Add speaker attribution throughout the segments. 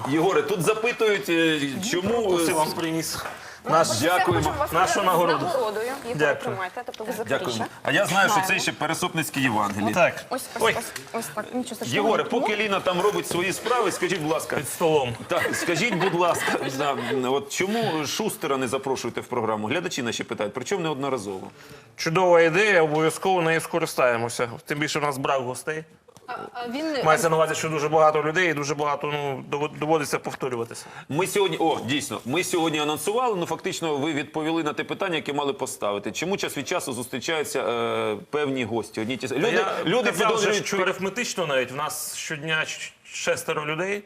Speaker 1: Єгоре, тут запитують, чому...
Speaker 2: Це вам приніс.
Speaker 1: Дякуємо.
Speaker 2: Нашу нагороду.
Speaker 3: Нагородою. Їх
Speaker 2: Дякую.
Speaker 3: тримайте. Тобто ви
Speaker 1: Дякуємо.
Speaker 3: Запоріжжя.
Speaker 1: А я знаю, що це
Speaker 3: Знаємо.
Speaker 1: ще Пересопницьке Євангеліє.
Speaker 2: Так,
Speaker 3: Ось так. Нічого страшного.
Speaker 1: Єгоре, поки Ліна там робить свої справи, скажіть, будь ласка,
Speaker 2: під столом.
Speaker 1: так, скажіть, будь ласка, от чому Шустера не запрошуєте в програму? Глядачі наші питають, причому неодноразово.
Speaker 2: Чудова ідея, обов'язково нею скористаємося. Тим більше в нас брак гостей.
Speaker 4: А він
Speaker 2: Мається на увазі, що дуже багато людей і дуже багато доводиться повторюватися.
Speaker 1: Ми сьогодні, дійсно, ми сьогодні анонсували, фактично ви відповіли на те питання, яке мали поставити. Чому час від часу зустрічаються певні гості? Люди
Speaker 2: Люди
Speaker 1: підозрюють,
Speaker 2: що арифметично навіть. В нас щодня 6 людей,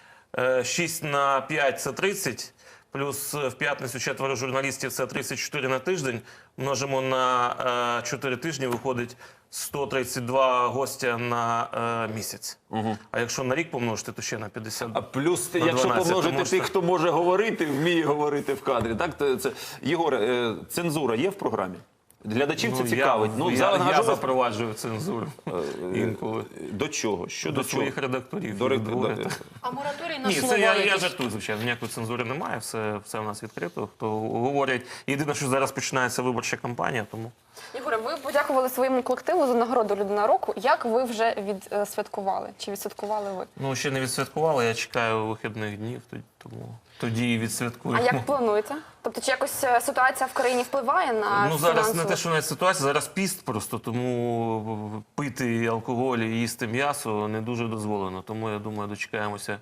Speaker 2: 6 на 5 – це 30, плюс в п'ятницю 4 журналістів – це 34 на тиждень. Множимо на 4 тижні, виходить 132 гостя на місяць. А якщо на рік помножити, то ще на 50.
Speaker 1: А плюс,
Speaker 2: на
Speaker 1: якщо
Speaker 2: 12,
Speaker 1: помножити
Speaker 2: тому що-
Speaker 1: тих, хто може говорити, вміє говорити в кадрі, так? Єгоре, цензура є в програмі? Глядачів це цікавить.
Speaker 2: Я запроваджую цензуру інколи.
Speaker 1: До чого?
Speaker 2: До своїх редакторів.
Speaker 1: До
Speaker 4: а мораторій на
Speaker 2: Ні,
Speaker 4: слова
Speaker 2: це я
Speaker 4: якісь?
Speaker 2: жартую, звичайно. Ніякої цензури немає, все в нас відкрито. Хто говорять. Єдине, що зараз починається виборча кампанія, тому...
Speaker 3: Єгоре, ви подякували своєму колективу за нагороду «Людина року». Як ви вже відсвяткували? Чи відсвяткували ви?
Speaker 2: Ну, ще не відсвяткували, я чекаю вихідних днів, тому тоді і відсвяткую.
Speaker 3: А як плануєте? Тобто, чи якось ситуація в країні впливає на
Speaker 2: Ну, зараз не
Speaker 3: фінансову?
Speaker 2: те, що навіть ситуація, зараз піст просто, тому пити алкоголь і їсти м'ясо не дуже дозволено. Тому, я думаю, дочекаємося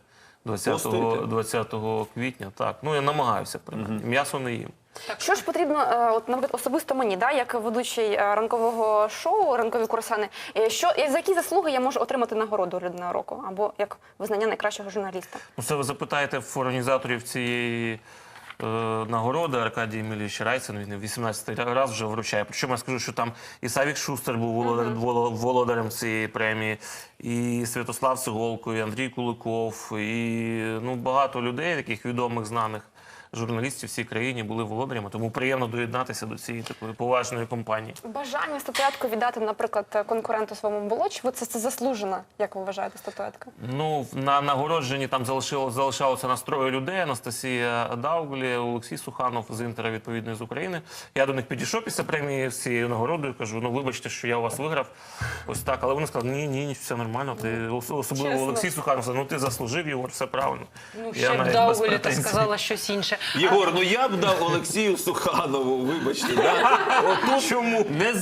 Speaker 2: 20 квітня. Так, ну я намагаюся, принаймні. М'ясо не їм.
Speaker 3: Що ж потрібно, от, наприклад, особисто мені, да, як ведучий ранкового шоу «Ранкові курасани», за які заслуги я можу отримати нагороду «Людина року» або як визнання найкращого журналіста?
Speaker 2: Ну, це ви запитаєте в організаторів цієї нагороди. Аркадій Емілійович Райцин, він 18-й раз вже вручає. Причому я скажу, що там і Савік Шустер був володарем цієї премії, і Святослав Сиголко, і Андрій Куликов, і багато людей, таких відомих, знаних журналістів в цій країні були володарями, тому приємно доєднатися до цієї такої поважної компанії.
Speaker 3: Бажання статуетку віддати, наприклад, конкуренту своєму було? Чи це заслужена, як ви вважаєте, статуетка?
Speaker 2: Ну, на нагородженні там залишалося настрою людей: Анастасія Дауглі, Олексій Суханов з «Інтера», відповідно, з України. Я до них підійшов після премії з цією нагородою, кажу, вибачте, що я у вас виграв. Ось так. Але вони сказали, ні, все нормально. Ти, особливо
Speaker 3: Чесно.
Speaker 2: Олексій Суханов сказав, ти заслужив, Єгор, все правильно.
Speaker 4: Ну,
Speaker 2: Я
Speaker 4: ще б
Speaker 2: навіть без
Speaker 4: Даугулі та
Speaker 2: претензій.
Speaker 4: сказала щось інше.
Speaker 1: Єгор, я б дав Олексію Суханову, вибачте. Да?
Speaker 2: Чому?
Speaker 1: Не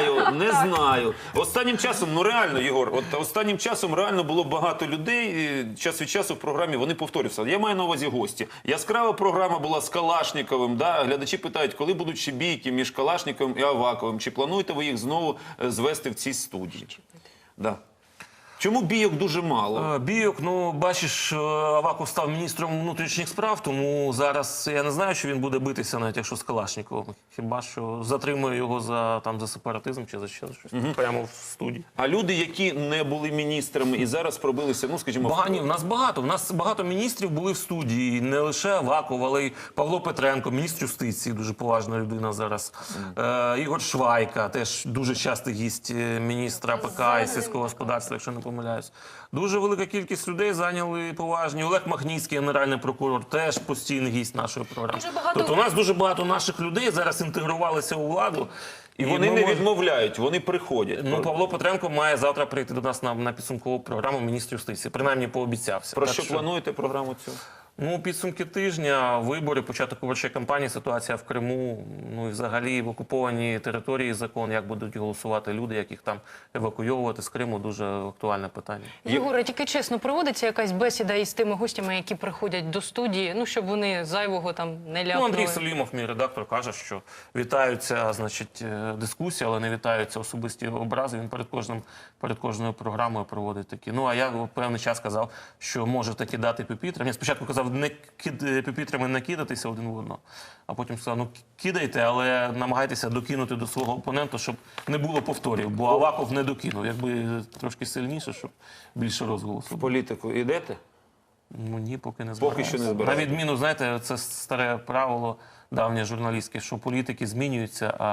Speaker 1: знаю. Останнім часом, реально, Єгор, останнім часом реально було багато людей, час від часу в програмі вони повторюються. Я маю на увазі гості. Яскрава програма була з Калашніковим, да? Глядачі питають, коли будуть ще бійки між Калашніковим і Аваковим, чи плануєте ви їх знову звести в цій студії? Да. Чому бійок дуже мало?
Speaker 2: Бійок, бачиш, Аваков став міністром внутрішніх справ, тому зараз я не знаю, що він буде битися, навіть якщо з Калашніковим. Хіба що затримує його за сепаратизм чи за ще щось прямо в студії.
Speaker 1: А люди, які не були міністрами і зараз пробилися, скажімо...
Speaker 2: Ні, в нас багато. В нас багато міністрів були в студії. Не лише Аваков, але й Павло Петренко, міністр юстиції, дуже поважна людина зараз. Ігор Швайка, теж дуже частий гість міністра АПК і сільського господарства, якщо не помиляюсь. Дуже велика кількість людей зайняли поважні. Олег Махніцький, генеральний прокурор, теж постійний гість нашої програми. Тобто у нас дуже багато наших людей зараз інтегрувалися у владу.
Speaker 1: І вони не відмовляють, вони приходять.
Speaker 2: Павло Петренко має завтра прийти до нас на підсумкову програму міністр юстиції. Принаймні пообіцявся.
Speaker 1: Про що плануєте програму цю?
Speaker 2: Підсумки тижня, вибори, початок виборчої кампанії, ситуація в Криму, і взагалі в окупованій території закон, як будуть голосувати люди, як їх там евакуйовувати з Криму, дуже актуальне питання.
Speaker 4: Єгоре, тільки чесно, проводиться якась бесіда із тими гостями, які приходять до студії, щоб вони зайвого там не ляпнули?
Speaker 2: Андрій Селімов, мій редактор, каже, що вітаються, дискусії, але не вітаються особисті образи. Він перед кожною програмою проводить такі. А я певний час казав, що може таки дати пюпітр. Він спочатку казав, пюпітрами не кидатися один в одного, а потім сказав, кидайте, але намагайтеся докинути до свого опонента, щоб не було повторів, бо Аваков не докинув. Якби трошки сильніше, щоб більше розголосу.
Speaker 1: В політику йдете?
Speaker 2: Ні, поки не збираємося.
Speaker 1: Поки що не збираємося.
Speaker 2: На відміну, знаєте, це старе правило давнє журналістське, що політики змінюються, а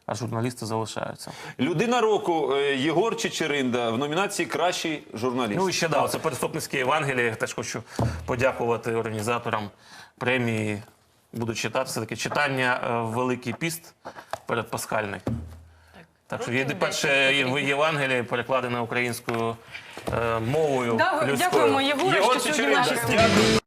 Speaker 2: а журналісти залишаються.
Speaker 1: Людина року Єгор Чечеринда в номінації «Кращий журналіст».
Speaker 2: Ну і ще це переступницьке Євангеліє. Теж хочу подякувати організаторам премії. Буду читати, все-таки читання в Великий піст передпасхальний. Так що є перше Євангеліє перекладене українською мовою людською.
Speaker 4: Дякуємо, Єгоре,
Speaker 1: Єгор
Speaker 4: що сьогодні в нашій
Speaker 1: Чечеринда,
Speaker 4: студії.
Speaker 1: дякую.